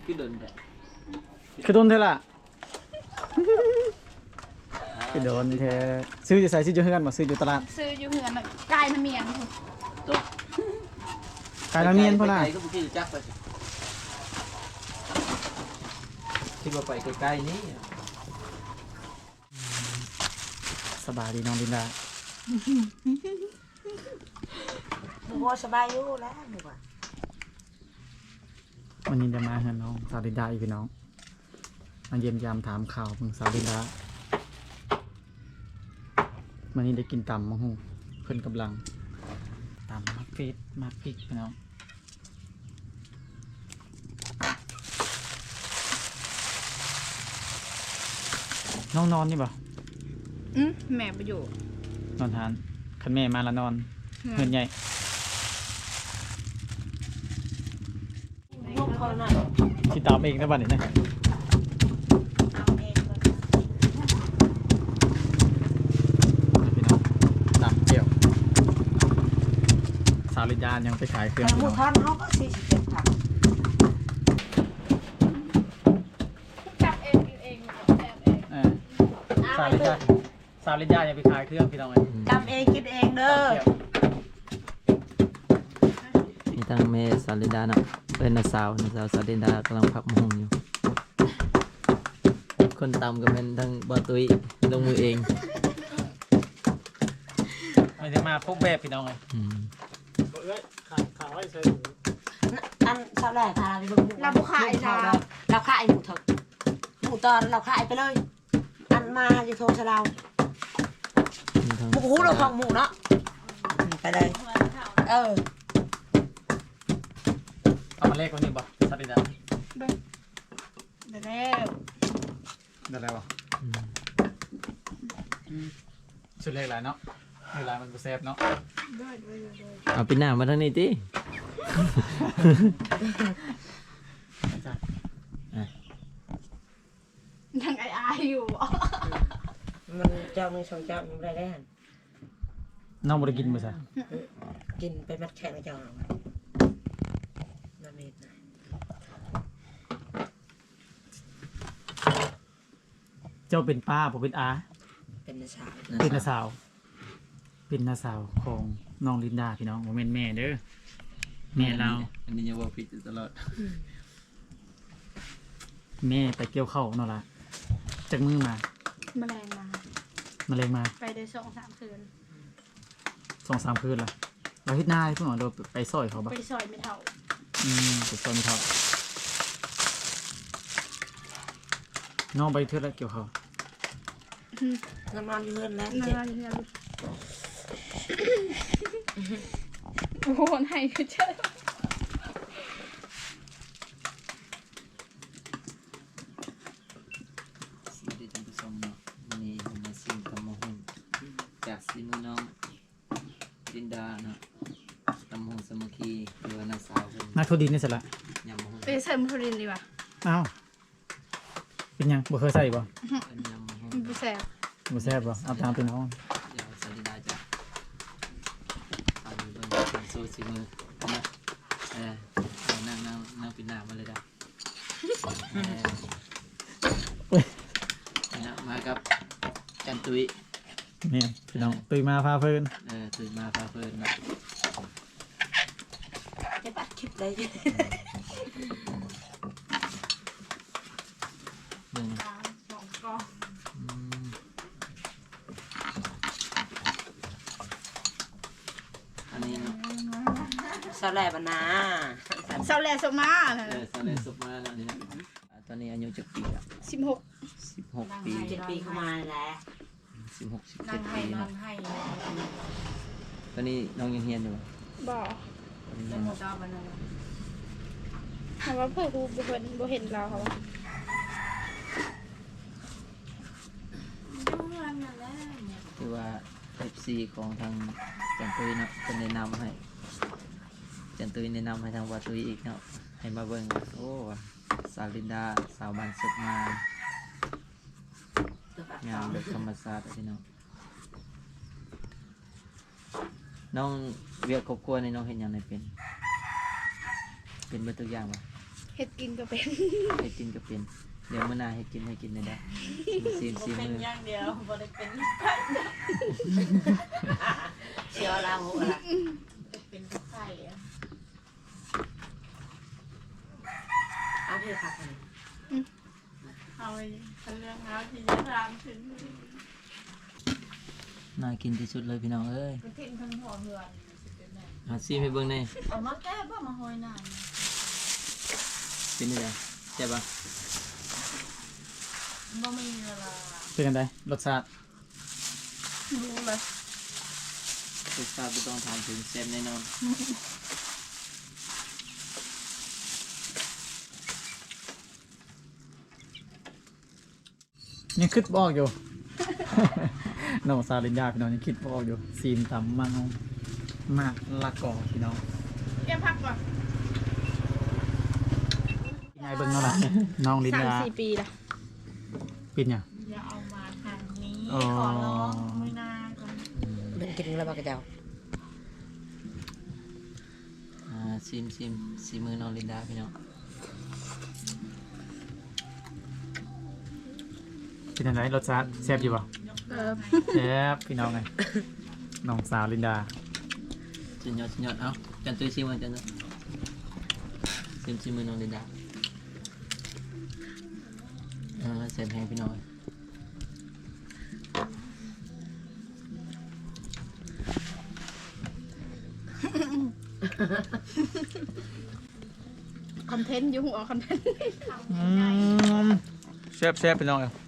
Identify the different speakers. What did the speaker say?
Speaker 1: คือโดนแท้
Speaker 2: คือโดนเท่าล่ะคือโดนเธอซื้อจะใส่ซื้ออยู่เฮือนบ่ซื้ออยู่ตลาด
Speaker 3: ซื้ออยู่เหือนน่ะกายน้ำเมียน
Speaker 1: ตุ๊ก
Speaker 2: กายละเมียนพุ่นน่ะ
Speaker 1: ไกลก็บ่คิดจักไปสิคิดว่าไปใกล้ๆนี้
Speaker 2: สบายดีน้องลินดา
Speaker 4: บัวสบายอยู่แล้วบัว
Speaker 2: วันนี้จะมาเฮือนน้องสาวลินดาอีกพี่น้องมาเยี่ยมยามถามข่าวเพิ่งสาวลินดาวันนี้ได้กินตำมะฮุ่งเพิ่นกำลังตำมักฟีดมักพริกพี่น้องน้องนอนนี่บ่
Speaker 3: แม่ไปอยู่
Speaker 2: นอนทานคันแม่มาแล้วนอนเฮือนใหญ่
Speaker 4: ลูกเขาหน่อย
Speaker 2: ที่ตามเองนะบัดนี้นะ
Speaker 4: เอาเองเลย
Speaker 2: พี่น้องตามเกี่ยวสาวลินดายังไปขายเครื่อง
Speaker 4: แต่
Speaker 2: พี่
Speaker 4: หมู
Speaker 2: น้อง
Speaker 4: ทอนเขาก็47ถัง
Speaker 3: จับเองกินเองแอบเอง
Speaker 2: สาวลินดายังไปขายเครื่องพี่น้องเลย
Speaker 4: จำเองกินเองเด้อ
Speaker 1: มีทั้งเมสาลิดาเนาะเป็นน้าสาวสาลิดากำลังพักมะฮุงอยู่คนตำก็เป็นทั้งบ่ตุ้ยลงมือเอง
Speaker 2: ไม่ได้มาพวกแบบพี่น้องเลย
Speaker 4: อันเท่าไหร่พาไปเบิ่งเราขายหมูเถอะหมูตอนเราขายไปเลย อันมาอยู่โทรชะเราหมูหูเราของหมูเนาะไปเลย
Speaker 2: เอามาเลขวันนี้บ่สาวลินดา
Speaker 3: เดี๋ยวแล้ว
Speaker 2: ได้อะไรบ่ชุดเลขอะไรเนาะเลขอะไรมันกูเซฟเนาะ
Speaker 1: เอาปีหน้ามาทางนี้ติ
Speaker 3: ยังไออยู่
Speaker 4: มันเจ้ามือสองเจ้ามันได้หัน
Speaker 2: น้องบ่ได้กินมื้อซะ
Speaker 4: กินไปมัดแขนเจ้าน้ำเม็ดนะ
Speaker 2: เจ้าเป็นป้าผมเป็นอา
Speaker 4: เป็นนาสาว
Speaker 2: เป็นน้าสาว เป็นน้าสาวของน้องลินดาพี่น้องบ่แม่นแม่เด้อแม่เรา
Speaker 1: อันนี้ยังว่าผิดอยู่ตลอด
Speaker 2: แม่ไปเกี่ยวข้าวเนาะล่ะจากมือมา
Speaker 3: แมลงมา
Speaker 2: มาเลยมา
Speaker 3: ไปได้2-3 คืน
Speaker 2: 2-3 คืนละเราเฮ็ดหน้าให้เพิ่นว่าเราไปซอยเขาบ่
Speaker 3: ไปซอยไม่เท่า
Speaker 2: ไปซอยไม่เท่าน้องไปเทื่อละเกี่ยวข้าว
Speaker 4: น้ำนอนอยู่เพื่อนแล้ว
Speaker 3: นั่
Speaker 4: เจ็บ
Speaker 3: นนี่โอ้โหไหนคือเจ้า
Speaker 1: สวัสดีท่านผู้ชมเนาะวันนี้ผมมาซิมตำมะฮุงจากซีมือน้องลินดาเนาะตำมะฮุงสามัคคีหรือว่าน้าสาวเพิ่น
Speaker 2: นักโทษดินนี่เสร็จละ
Speaker 1: ยำมะฮุง
Speaker 3: ไปเสริมพรินดีกว่า
Speaker 2: อ้าวเป็นหยังบ่เคยใส่บ่
Speaker 1: เป็นยำมะฮุง
Speaker 3: มันไปแสบ
Speaker 2: บ่แซ่บบ่เอาตามพี่น้อง
Speaker 1: เดี๋ยวสาลิดาจะทำเบิ่งเป็นโซ่ซีมือนะเอานั่งปิดหน้ามาเลยได้นะมากับจันตุย
Speaker 2: นี่พี่น้องตื่นมาพาเพิ่น
Speaker 1: ตื่นมาพาเพิ่นนะ
Speaker 4: เจ็บอัดคลิปเลย
Speaker 1: เบิ่ง
Speaker 3: 2 กอง
Speaker 1: อันนี้เนาะ
Speaker 4: สาวแหล่บนา
Speaker 3: เสาแลสมา
Speaker 1: สาเลสุกมาแล้วนี่นะตอนนี้อายุจักปีละ
Speaker 3: 16
Speaker 1: 16 ปี
Speaker 4: 7 ปีเข้ามาแล้ว
Speaker 1: 16 17 ปีเนาะ
Speaker 4: ให้
Speaker 1: ตอนนี้น้องยังเรียนอยู่บ่
Speaker 3: บ่
Speaker 1: ตอนนี้
Speaker 4: แล้
Speaker 1: ยั
Speaker 4: ว
Speaker 1: ง
Speaker 4: หมูตอนมันอะไร
Speaker 3: ถามว่าเพื่อนกูบ่เห็นเราเขาว่า
Speaker 1: คือว่า FC ของทางจันตุยเนาะเป็นแนะนำให้จันตุยแนะนำให้ทางวาตุยอีกเนาะให้มาเบิ่งว่าโอ้สาวลินดาสาวบ้านสุดมางามแบบธรรมชาติอะพี่น้องน้องเวียกครอบครัวในน้องเห็นอย่างไรเป็นเบิดตัวอย่างบ่
Speaker 3: เฮ็ดกินก็เป็น
Speaker 1: ให้กินก็เป็นเดี๋ยวมื้อหน้าให้กินได้ได้ซีมือ
Speaker 5: อย่างเดียวบ่ได้เป็น
Speaker 4: เชียวลาหูละ
Speaker 5: เป็นไข่อะ
Speaker 4: เอาเพื่อผักเลย
Speaker 5: เอาไปเรื่องเอาที่จะทำถึง
Speaker 1: น่ากินที่สุดเลยพี่น้องเอ้ย
Speaker 5: ก็ทิ้งทั้งหัวเหือนสิเป็นไง
Speaker 1: หาซีให้เบิ่งแน่
Speaker 5: เอามาแก้บ่มาหอยหน้า
Speaker 1: เป็นจังได๋ใช่ปะ
Speaker 5: บ่มีเวลา
Speaker 2: เป็นกันไดรสชาติ
Speaker 5: รู้เลย
Speaker 1: รสชาติบ่ต้องถามถึงแซ่บแน่นอน
Speaker 2: ยังคิดบอกอยู่ น้องซาลินดาพี่น้องยังคิดบอกอยู่ซีนตำมังมากละกอพี่น้อง
Speaker 3: เก็บผักก่อน
Speaker 2: ยังไงเบิ่งเนาะล่ะน้องลินดา
Speaker 3: 3-4 ปีละ
Speaker 2: ปิดเนี่ย
Speaker 5: อย่าเอามาทางนี้
Speaker 2: อ๋อ
Speaker 5: ขอร้องไม่น่าก่อน
Speaker 4: มันกินแล้วบ้ากระเจ้า
Speaker 1: ซิมซีมือน้องลินดาพี่น้อง
Speaker 2: เป็นยังไงรสชาติแซ่บอยู่ป่ะ แซ่บพี่น้องไง น้องสาวลินดา
Speaker 1: สุดยอดเอ้าจันตุ้ยซิมมันจันตุ้ยซิมมือน้องลินดาแซ่บแห้งพี่น้อง
Speaker 3: คอนเทนต์ยุ่งออกคอนเทนต์
Speaker 2: แซ่บพี่น้องไง